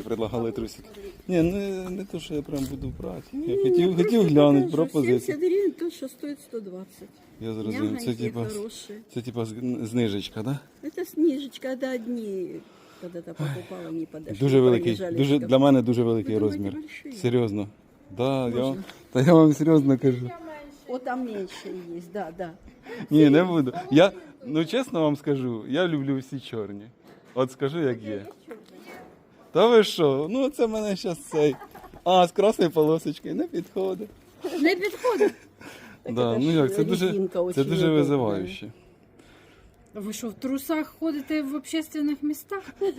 предлагали трусики. Ні, не то, що я прям буду брати. Я хотів глянути пропозицію. 70 гривен, то, что стоит 120. Я зрозумів. Це типа знижечка, да? Это снижечка, да, одни когда-то покупала, не подошли. Дуже великий, пробежали. для мене дуже великий Ви думаєте, розмір. большие? Серйозно. Да, я вам серйозно кажу. Вот там меньше есть, да, да. Ні, не буду. Ну чесно вам скажу, я люблю всі чорні. От скажу, як є. Та ви що? Ну це мене зараз цей. З красною полосочкою не підходить. Не підходить. Да, ну як, це дуже удобная. визивающе. Ви що, в трусах ходите в общественних містах?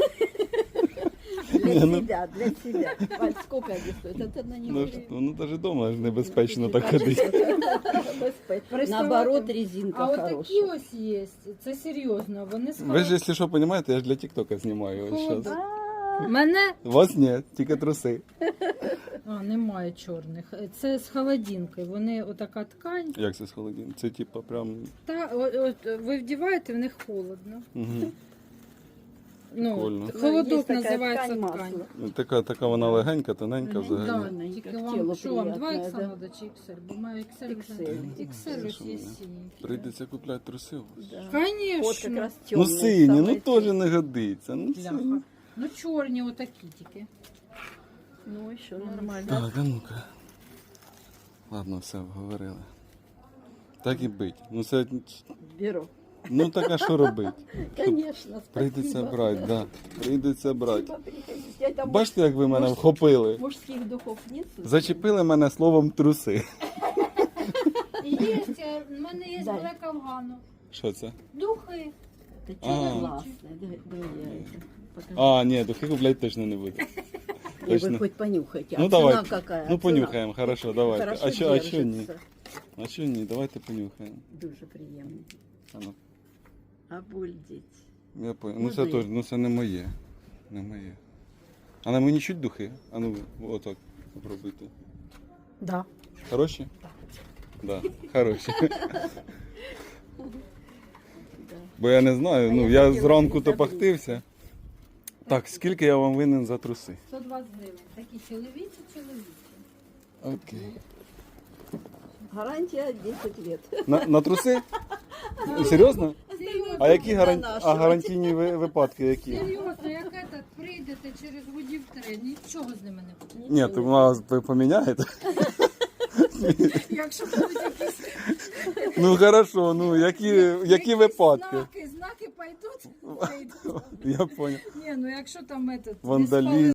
Для себя, для себя. Валь, сколько они стоят? Это на него. Ну навіть вдома ж небезпечно так ходити. Наоборот, резинка А от такі хорошая. ось є. Це серйозно. Вони з Ви ж, якщо що, розумієте, я ж для тіктока знімаю ось зараз. Мене Вас ні, тільки труси. немає чорних. Це з холодинкою. Вони отака ткань. Як це з холодильника? Це типа прям. Та от ви вдіваєте, в них холодно. Угу. Ну, Прикольно. холодок Є така називається ткань ткань. масла. Така вона легенька, тоненька Да, взагалі. тільки Как вам тело що вам 2 приятное, ось да. треба чи XL? Бо маю XL вже. XL ось є синій. Прийдеться купляти труси. Да. Вот как Конечно. раз Ну темные. сині, ну самые теж не годиться. Ну, Бляха. сині. Ну чорні отакі тільки. Ну, еще нормально. Так, а ну-ка. Ладно, все, говорили. Так і бить. Ну це. Беру. Ну так а що робити? Конечно, Прийдеться спасибо. брати, да. Прийдеться брати. Спасибо, приходите. Это Бачите, як ви мене вхопили? мужских духов нет? Зачепили мене словом труси. Є, в мене є Дай. Black Afghan. Що це? Духи. Это А. классное. Да, я это покажу. Ні, духи купляти точно не буду. Не, вы Точно. хоть понюхайте. Ну А цена давай. какая? Ну Цена? понюхаємо, хорошо, давайте. Хорошо А що ні? держится. А що ні? Давайте понюхаємо. Дуже приємно. А ну. Обалдеть. Я понял. Ну Можна це я? теж, ну це не моє. Не моє. А на мені чуть духи? А ну отак попробуйте. Да. Хороші? Да, хороші. Бо я не знаю, ну я зранку топахтився. Так, скільки я вам винен за труси? 120 гривень. Такі чоловічі. Окей. Гарантія 10 лет. На труси? Серйозно? А які Донашувати. гарантійні випадки які? Серйозно, як этот прийдете через годів 3, нічого з ними не буде. Ні, то вас ви поміняєте. Якщо будуть якісь Ну хорошо, ну які випадки? знаки пойдуть, Я понял. Ні, ну якщо там этот, Вандалізм.